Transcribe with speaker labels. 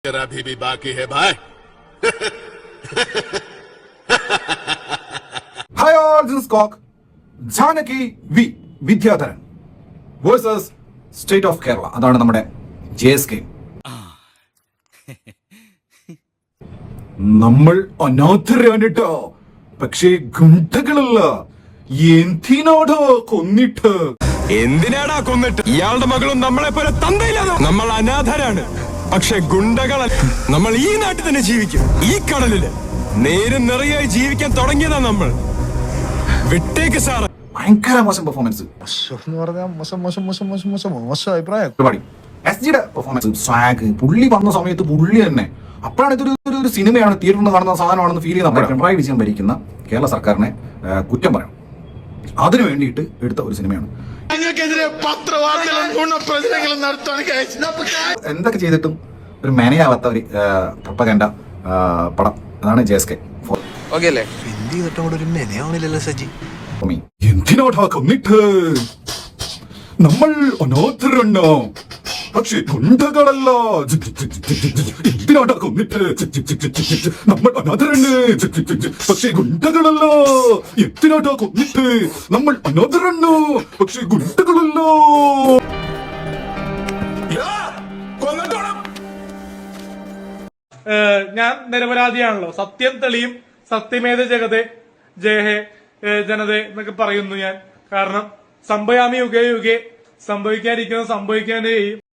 Speaker 1: अभी भी बाकी है भाई.
Speaker 2: Hi all, this is Cock. Janaki V. Vidyadharan versus state of Kerala. അതാണ് നമ്മുടെ JSK. നമ്മൾ അനാഥരാണ് ട്ടോ, പക്ഷേ ഗുണ്ടകളല്ല. എന്തിനാടോ കൊന്നിട്ട്?
Speaker 3: എന്തിനാടാ കൊന്നിട്ട്? ഇയാളുടെ മകളും നമ്മളെ പോലെ തന്തയില്ലാതെ. നമ്മൾ അനാഥരാണ്, പക്ഷെ ഗുണ്ടകൾ. നമ്മൾ ഈ നാട്ടിൽ തന്നെ ജീവിക്കും, ഈ കടലില് നേരും നിറയായി ജീവിക്കാൻ തുടങ്ങിയതാ നമ്മൾ. വിട്ടേക്ക് സാറ്.
Speaker 2: ഭയങ്കര മോശം പെർഫോമൻസ്.
Speaker 4: അഭിപ്രായം.
Speaker 2: SGയുടെ പെർഫോമൻസ്, സ്വാഗ്, പുള്ളി വന്ന സമയത്ത് പുള്ളി തന്നെ. അപ്പോഴാണ് ഇതൊരു സിനിമയാണ്, തിയേറ്ററിൽ കാണുന്ന സാധനമാണെന്ന് ഫീൽ ചെയ്യുന്ന പിണറായി വിജയൻ ഭരിക്കുന്ന കേരള സർക്കാരിനെ കുറ്റം പറയണം. അതിനു വേണ്ടിയിട്ട് എടുത്ത ഒരു സിനിമയാണ്. എന്തൊക്കെ ചെയ്തിട്ടും ഒരു മാനേജാവാത്ത ഒരു പ്രൊപ്പഗൻഡ പടം. അതാണ് JSK. എന്തിനാടാ കൊന്നിട്ട്? നമ്മൾ അനാഥരണ്ണോ, പക്ഷെ ഗുണ്ടകളല്ല. എന്തിനാടാ കൊന്നിട്ട്? നമ്മൾ അനാഥരണ്, പക്ഷെ ഗുണ്ടകളല്ല. എന്തിനാടാ കൊന്നിട്ട്? നമ്മൾ അനാഥരണ്ണോ, പക്ഷെ ഗുണ്ടകളല്ലോ.
Speaker 5: ഞാൻ നിരപരാധിയാണല്ലോ, സത്യം തെളിയും, സത്യമേത ജഗതേ ജയഹേ ജനതേ എന്നൊക്കെ പറയുന്നു ഞാൻ. കാരണം സംഭയാമി യുഗേ യുഗേ, സംഭവിക്കാതിരിക്കുന്നത് സംഭവിക്കാനേ ചെയ്യും.